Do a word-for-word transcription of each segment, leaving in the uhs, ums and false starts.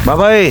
బాబాయ్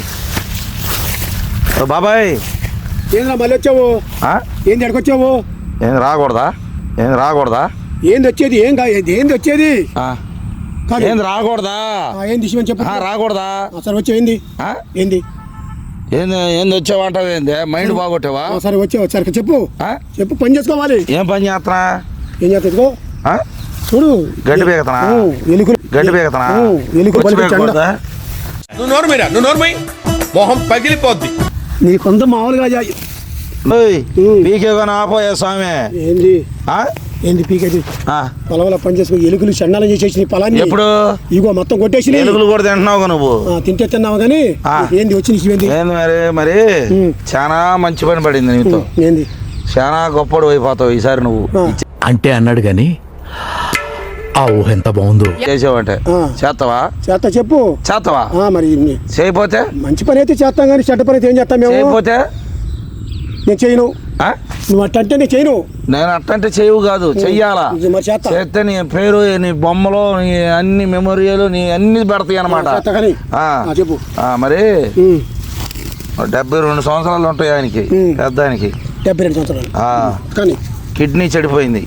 బాబాయ్ ఏంద్రా మళ్ళీ వచ్చావు? ఏంది ఎక్కడికొచ్చావు? ఏం రాకూడదా? ఏం రాకూడదా? ఏంది వచ్చేది? ఏం ఏంది వచ్చేది? ఏంది రాకూడదా? ఏంది విషయం చెప్పు. రాకూడదా? సరే వచ్చావు. ఏంది ఏంది ఏంది ఏంది వచ్చావంటావు? ఏంది మైండ్ బాగొట్టావా? సరే వచ్చావు. సరే చెప్పు చెప్పు. పని చేసుకోవాలి. ఏం పని చేస్తున్నా? ఏం చేస్తా చూడు. గడ్డి పీకతనా? ఎలుకలు గడ్డి పీకతనా? ఎలుకలు నువ్వు నోరుమీరా, నువ్వు నోరుమై మొహం పగిలిపోద్ది. నీ కొంత మామూలుగా పీకే కానీ ఆపోయా స్వామి. ఏంది ఏంది పీకేది? పొలంలో పని చేసుకో. ఎలుకలు చండాలం చేసేసి నీ పొలాన్ని ఎప్పుడు ఇగో మొత్తం కొట్టేసి ఎలుకలు కూడా తింటున్నావు నువ్వు. తింటే తిన్నావు కానీ ఏంది వచ్చి నీకు ఏంది మరి? మరి చాలా మంచి పని పడింది నీతో. ఏంది చాలా గొప్పడు అయిపోతావు ఈసారి నువ్వు అంటే అన్నాడు గాని ఆ ఊహ ఎంత బాగుందో. చేసావంటే చేస్తావా? చేస్తా. చెప్పు. చేస్తావా? మరి చేయపోతే? మంచి పని అయితే చేస్తాం కానీ చెడ్డ పని అయితే ఏం చేస్తాం మేము? చేయపోతే నేను చేయను. నువ్వు అట్టంటే నేను చేయను. నేను అట్టంటే చేయవు కాదు, చెయ్యాలా. చేస్తే నీ పేరు, నీ బొమ్మలు, నీ అన్ని మెమోరియలు, నీ అన్ని పెడతాయి అనమాట. చెప్పు. మరి డెబ్బై రెండు సంవత్సరాలు ఉంటాయి ఆయనకి, పెద్ద ఆయనకి. డెబ్బై రెండు సంవత్సరాలు కానీ కిడ్నీ చెడిపోయింది.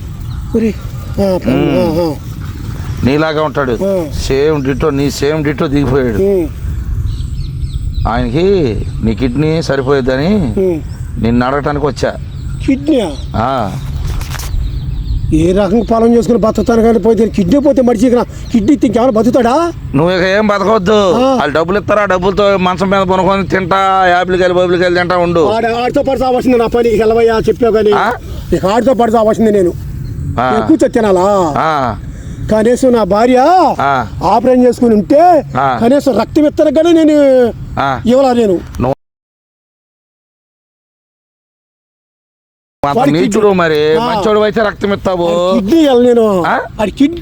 నీలాగా ఉంటాడు, సేమ్ డిటో. నీ సేమ్ డిటో దిగిపోయాడు. ఆయనకి నీ కిడ్నీ సరిపోయేదని నిన్ను అడగటానికి వచ్చా. కిడ్నీ ఏ రకంగా పొలం చేసుకుని బతుకుతాను కానీ పోతే కిడ్నీ పోతే మడిచి కిడ్నీ ఇంకేమైనా బతుకుతాడా? నువ్వు ఇక ఏం బతకవద్దు. వాళ్ళు డబ్బులు ఇస్తారా, డబ్బులతో మంచం మీద కొనుక్కొని తింటా, యాపిల్కాయలు బొబ్బులకాయలు తింటా ఉండు. ఆడితో పడి చావాల్సింది నా పని. వెళ్ళవయ్యా చెప్పావు కానీ ఇక ఆడితో పడి చావాల్సింది. నేను కూర్చో తినాలా? కనీసం నా భార్య ఆపరేషన్ చేసుకుని ఉంటే కనీసం రక్తం ఇస్తాను కానీ నేను ఇవ్వలా. నేను నీచుడు మరి మంచోడు అయితే రక్తం ఇస్తావు. కిడ్నీ నేను కిడ్నీ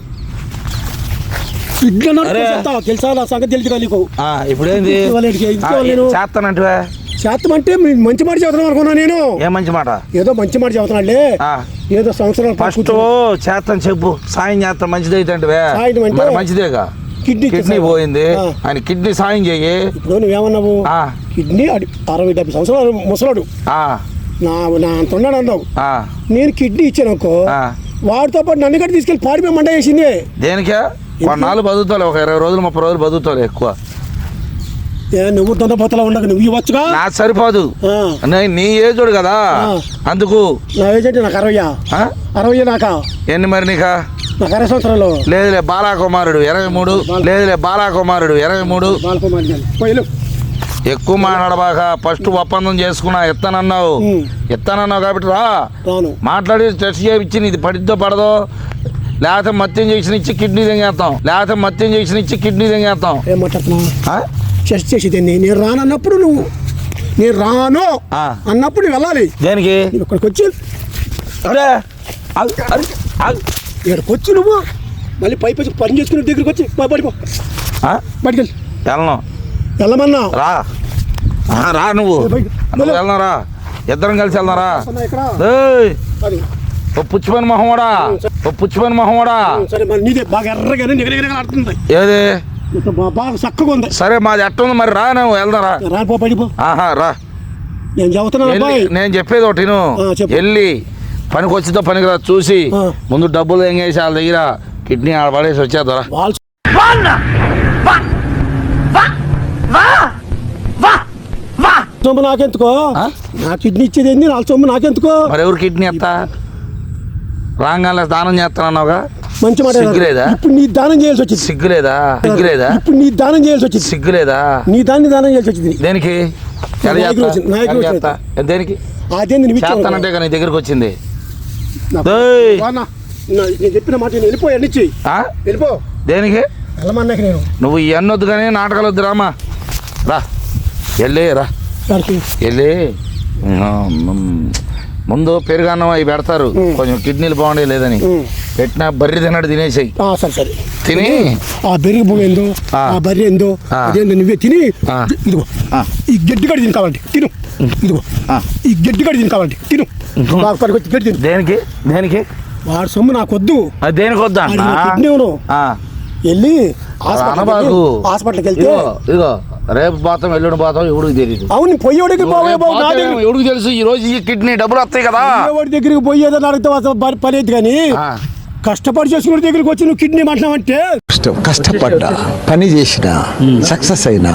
తెలుసా? నా సంగతి తెలుసు నీకు. ఇప్పుడేంది చేస్తానంటే? చేస్తాం అంటే మంచి మాట చదువుతున్నాం అనుకున్నా నేను. ఏ మంచి మాట? ఏదో మంచి మాట చదువుతున్నాడులే. ఏదో సంవత్సరాలు ఫస్ట్ చేస్తాను చెప్పు. సాయం చేస్తాను మంచిది అయితే అంటే మంచిదేగా. కిడ్నీ కిడ్నీ పోయింది, ఆయన కిడ్నీ సాయం చెయ్యి. ఇప్పుడు నువ్వేమన్నావు? కిడ్నీ అరవై డెబ్బై సంవత్సరాలు ముసలాడు నా నా అంత ఉన్నాడు అన్నావు. నేను కిడ్నీ ఇచ్చాను అనుకో, వాడితో పాటు నన్ను కూడా తీసుకెళ్ళి పాడిపోయి మంట వేసింది. దేనికే? కొన్నాళ్ళు బతుకుతావు, ఒక ఇరవై రోజులు ముప్పై రోజులు బతుకుతావు ఎక్కువ. నువ్వు దొంగపోతలా ఉండక నువ్వు ఇవ్వచ్చుగా. నాకు సరిపోదు, నీ ఏజోడు కదా అందుకు. నా ఏజ్ అంటే నాకు అరవై అరవై నాకా ఎన్ని మరి నీకా? నాకు అరవై సంవత్సరాలు. లేదులే బాలాకుమారుడు ఇరవై మూడు. లేదులే బాలాకుమారుడు ఇరవై మూడు. ఎక్కువ మాట్లాడబాక. ఫస్ట్ ఒప్పందం చేసుకున్నా, ఎత్తానన్నావు ఎత్తానన్నావు కాబట్టి రా మాట్లాడి టెస్ట్ చేయించి ఇది పడిద్దో పడదో. లేకపోతే మత్యం చేసిన ఇచ్చి కిడ్నీ తెంగేస్తాం. లేకపోతే మత్యం చేసిన ఇచ్చి కిడ్నీ తెంగేస్తాం. ఏం మాట్లాడుతున్నావు? టెస్ట్ చేసేది నేను రాను అన్నప్పుడు నువ్వు నేను రాను అన్నప్పుడు నువ్వు వెళ్ళాలి. దేనికి? ఇక్కడికి వచ్చి అరే ఇక్కడికి వచ్చి నువ్వు మళ్ళీ పై పై పని చేసుకుని దగ్గరికి వచ్చి పడిపో బయటికి వెళ్ళి. వెళ్ళను. వెళ్ళమన్నా రా రా నువ్వు వెళ్దాం రా, ఇద్దరం కలిసి వెళ్దాం రా. ఓ పుచ్చిపోయిన మొహమోడా, ఓ పుచ్చిపోయిన మొహమోడా. ఏది బాగా చక్కగా ఉంది. సరే మాది ఎట్ట ఉంది మరి, రా నువ్వు వెళ్దాం రా. రాపో పడిపో. ఆహా రా. నేను చెబుతున్నా నేను చెప్పేది ఒకటి వెళ్ళి పనికి వచ్చితో పనికి రా. చూసి ముందు డబ్బులు ఏం చేసి వాళ్ళ దగ్గర కిడ్నీ ఆడ పడేసి వచ్చేద్దరా. సొమ్ము నాకెందుకో? నా కిడ్నీ ఇచ్చేది ఏంది? నాలుగు సొమ్ము నాకెందుకో? మరి ఎవరు కిడ్నీ ఎత్తా? రాగానే దానం చేస్తానన్నావుగా, మంచి మాట. సిగ్గులేదా? ఇప్పుడు నీ దానం చేయాల్సి వచ్చింది. సిగ్గులేదా? సిగ్గులేదా? ఇప్పుడు నీ దానం చేయాల్సి వచ్చింది. సిగ్గులేదా? నీ దాన్ని దానం చేయాల్సి వచ్చింది. దేనికి? దేనికి చేస్తానంటే నీ దగ్గరకు వచ్చింది. నేను చెప్పిన మాట వెళ్ళిపోయా నుంచి వెళ్ళిపో. దేనికి వెళ్ళమన్నాక నేను నువ్వు ఇవన్నీ వద్దు కానీ నాటకాలు వద్దు. రామా రా, వెళ్ళి రా, వెళ్ళి ముందు పెరుగన్నం అవి పెడతారు, కొంచెం కిడ్నీలు బాగుండే లేదని పెట్టిన బర్రె తిన్నాడు తినేసాయి. సరే తిని ఆ బెర్రి పువ్వు ఏందో ఆ బర్రె ఏందో అదేందో నువ్వే తిని ఇదిగో ఈ గడ్డి గడి తిని కావాలంటే తిను. ఇదిగో ఈ గడ్డి గడి తిని కావాలంటే తిను. గడ్డి తిను. దేనికి? దేనికి? వాడు సొమ్ము నాకు వద్దు. అది దేనికి వద్దా? కిడ్నీ వెళ్ళి హాస్పిటల్కి వెళ్తే ఇదిగో రేపు పోతాం ఎల్లుండి పోతాం ఎవడికి తెలియదు. అవును పోయేవాడికి పోవే బాబు నా దగ్గర ఎవడికి తెలుసు ఈ రోజు ఈ కిడ్నీ డబ్బులు వస్తాయి కదా. పోయేవాడి దగ్గరికి పోయేదని అడిగితే పని అయితే కానీ కష్టపడి చేసుకునే దగ్గరికి వచ్చి నువ్వు కిడ్నీ మాట్లాడమంటే కష్టం కష్టపడ్డా పని చేసిన సక్సెస్ అయినా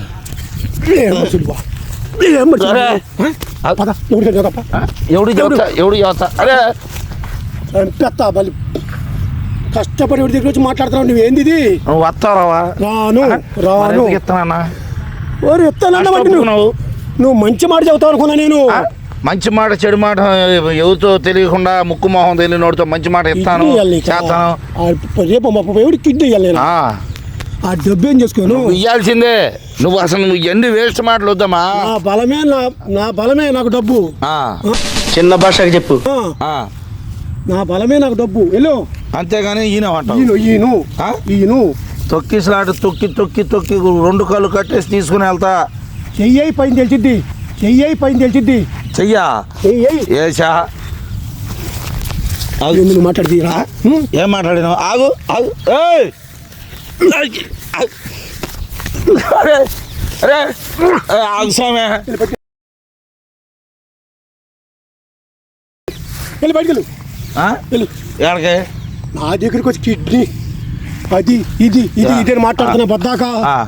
ఎవడు చెబుతా ఎవడు చెబుతా అరే పెత్తా మళ్ళీ కష్టపడి ఎవరి దగ్గర వచ్చి మాట్లాడుతున్నావు నువ్వు ఏంది ఇది? నువ్వు వస్తావా? రాను రాను ఇస్తానా ఓరి ఎత్తానంటే నువ్వు నువ్వు మంచి మాట చెబుతావు అనుకున్నా నేను. మంచి మాట చెడు మాట ఎవరితో తెలియకుండా ముక్కు మొహం తెలియనోడితో మంచి మాట ఇస్తాను చేస్తాను. రేపు మా ఎవరికి కిడ్నీ ఇవ్వాలి నేను ఆ డబ్బు ఏం చేసుకోను ఇవ్వాల్సిందే. నువ్వు అసలు నువ్వు ఎన్ని వేస్ట్ మాటలు వద్దామా. నా బలమే నా నా బలమే నాకు డబ్బు. చిన్న భాషకి చెప్పు. నా బలమే నాకు డబ్బు వెళ్ళు. అంతేగాని ఈయన ఈయను ఈయను ఈయను తొక్కిసలాట తొక్కి తొక్కి తొక్కి రెండు కాళ్ళు కట్టేసి తీసుకుని వెళ్తా. చెయ్యి పైన తెలిసిద్ది చెయ్యి పైన తెలిసిద్ది చెయ్యా చెయ్యి ఏషా నువ్వు మాట్లాడితీరా ఏం మాట్లాడినావు? ఆగు ఆగు ఏయ్! అరే అరే ఆగు స్వామి. వెళ్ళి బయటికి వెళ్ళు వెళ్ళు. ఎక్కడికి? నా దగ్గరికి వచ్చి కిడ్నీ అది ఇది ఇది ఇది అని మాట్లాడుతున్నా బద్దాక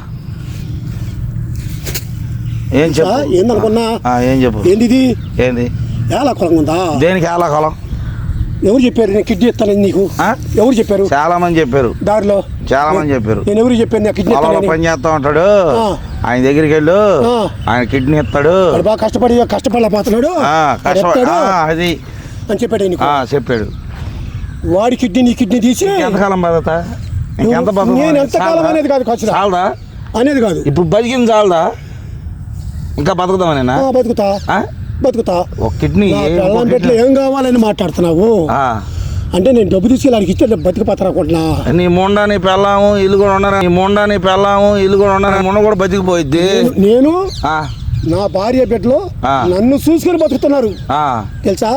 ఏం చెప్పు ఏందనుకున్నా ఏం చెప్పు ఏంది ఇది ఏంది ఎలా కొలం ఉందా? దేనికి ఎలా కొలం? ఎవరు చెప్పారు నేను కిడ్నీ ఇస్తానని నీకు? ఎవరు చెప్పారు? చాలా మంది చెప్పారు దారిలో చాలా మంది చెప్పారు. నేను ఎవరు చెప్పాను నేను కిడ్నీ పని చేస్తా ఉంటాడు ఆయన దగ్గరికి వెళ్ళు ఆయన కిడ్నీ ఇస్తాడు బాగా కష్టపడి కష్టపడలేకపోతున్నాడు అది అని చెప్పాడు నీకు చెప్పాడు. వాడి కిడ్నీ నీ కిడ్నీ తీసి ఎంతకాలం బతుకుతా? ఇంకెంత బతుకు? నేను ఎంతకాలం అనేది కాదు ఖర్చు చాలదా అనేది కాదు. ఇప్పుడు బతికింది చాలదా? ఇంకా బతుకుతామనేనా? బతుకుతా బతుకుతా. ఒక కిడ్నీ పెట్లో ఏం కావాలని మాట్లాడుతున్నావు అంటే నేను డబ్బు తీసుకెళ్ళి అడిగి ఇస్తే బతికిపోతాను అనుకుంటున్నా. నీ మొండా నీ పెళ్ళాము ఇల్లు కూడా ఉండరా? నీ మొండా నీ పెళ్ళాము ఇల్లు కూడా ఉండరా? మొండ కూడా బతికిపోయిద్ది. నేను నా భార్య బిడ్డలు నన్ను చూసుకొని బతుకుతున్నారు తెలుసా?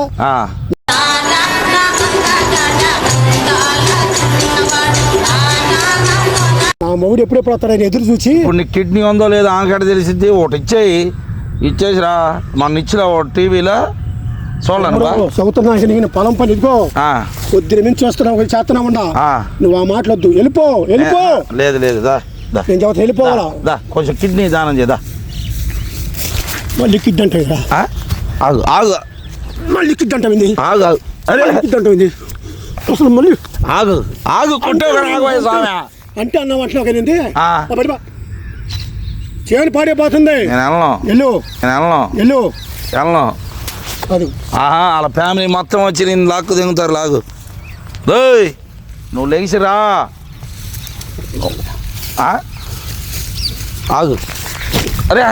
నా మొగుడు ఎప్పుడెప్పుడు వస్తాడని ఎదురు చూసి ఇప్పుడు నీ కిడ్నీ ఉందో లేదో ఆనకడ తెలిసిద్ది. ఒకటి ఇచ్చేయి ఇచ్చేసిరా మన ఇచ్చిరా ఒక టీవీలో చూడలేను చదువుతున్నా నేను పొలం పని ఇదిగో కొద్ది మించి చేస్తున్నావు చేస్తున్నావు నువ్వు ఆ మాటలొద్దు వెళ్ళిపో వెళ్ళిపో. లేదు లేదు దా నేను చెబుతా వెళ్ళిపోవాలా దా కొంచెం కిడ్నీ దానం చేదా. మళ్ళీ కిడ్ అంటే ఆగు ఆగు మళ్ళీ కిడ్ అంటే ఆగు ఆగు అరే కిడ్ అంటే అసలు మళ్ళీ ఆగు ఆగు కొట్టే అంటే అన్న మాటలో ఏంటి చేయని పాడైపోతుంది. నేను వెళ్ళను వెళ్ళు నేను వెళ్ళను వెళ్ళు వెళ్ళను. అది ఆహా వాళ్ళ ఫ్యామిలీ మొత్తం వచ్చి నేను లాక్కు దిగుతారు లాగు. దోయ్ నువ్వు లేచిరా ఆగు. అరే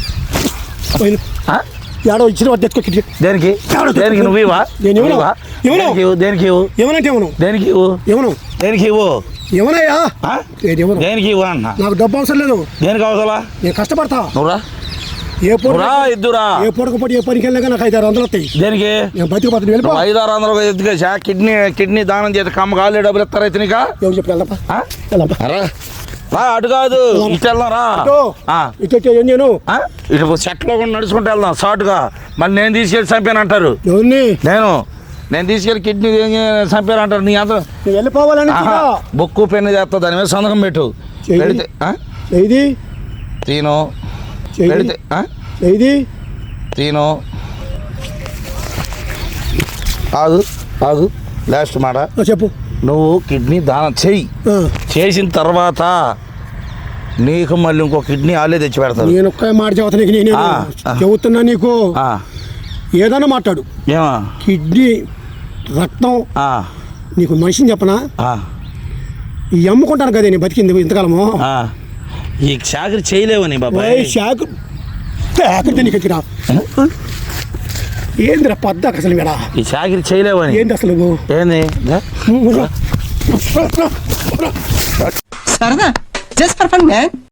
ఏడో ఇచ్చిన వాడు తెచ్చుకో కిడ్నీ. దేనికి దేనికి నువ్వు ఇవా? దేనికి ఇవ్వు దేనికి ఇవ్వు ఏమనంటే ఇవ్వను దేనికి ఇవ్వు ఇవ్వను దేనికి ఇవ్వు ఏమనయ్యా దేనికి ఇవ్వు అన్న. నాకు డబ్బు అవసరం లేదు. దేనికి అవసరం? నేను కష్టపడతా. నువ్వురా ఏ పూట ఇద్దురా ఏ పూటకు ఏ పనికి వెళ్ళగా నాకు ఐదు ఆరు వందలు వస్తాయి. దేనికి? నేను బతికిపోతాను వెళ్ళిపో. ఐదు ఆరు వందలు ఎత్తుకేసా కిడ్నీ కిడ్నీ దానం చేస్తే కమ్మ కాళ్ళు డబ్బులు ఇస్తారా అయితే నీకా? ఎవరు చెప్పి వెళ్దాపా రా అటు కాదు ఇటు వెళ్దాం రా. ఇటు ఏం చేయను ఇటు చెట్లో కూడా నడుచుకుంటూ వెళ్దాం షార్ట్గా. మళ్ళీ నేను తీసుకెళ్ళి చంపాను అంటారు. నేను నేను తీసుకెళ్ళి కిడ్నీ చంపాను అంటారు. నీ అంత వెళ్ళిపోవాలని బొక్కు పెన్ను చేస్తా దాని మీద సంతకం పెట్టు. పెడితే ఇది తీను పెడితే ఇది తీను ఆగు ఆగు లాస్ట్ మాట చెప్పు. నువ్వు కిడ్నీ దానం చెయ్యి. చేసిన తర్వాత నీకు మళ్ళీ ఇంకో కిడ్నీ వాళ్ళే తెచ్చి పెడతారు. నేను ఒక్క మాట చెబుతా నీకు నేను చెబుతున్నా నీకు ఏదైనా మాట్లాడు. ఏమా కిడ్నీ రక్తం నీకు మనిషిని చెప్పనా ఈ అమ్ముకుంటాను కదా నేను బతికింది ఇంతకాలము. ఈ చాకరి చేయలేవని బాబాయ్. చాకరి చాకరి నీకు ఎత్తిరా ఏందిరా పద్దాక అసలు మేడా ఈ చాకరి చేయలేవని. ఏంది అసలు ఏంది సరదా జస్ట్ ఫర్ ఫన్ మ్యాన్.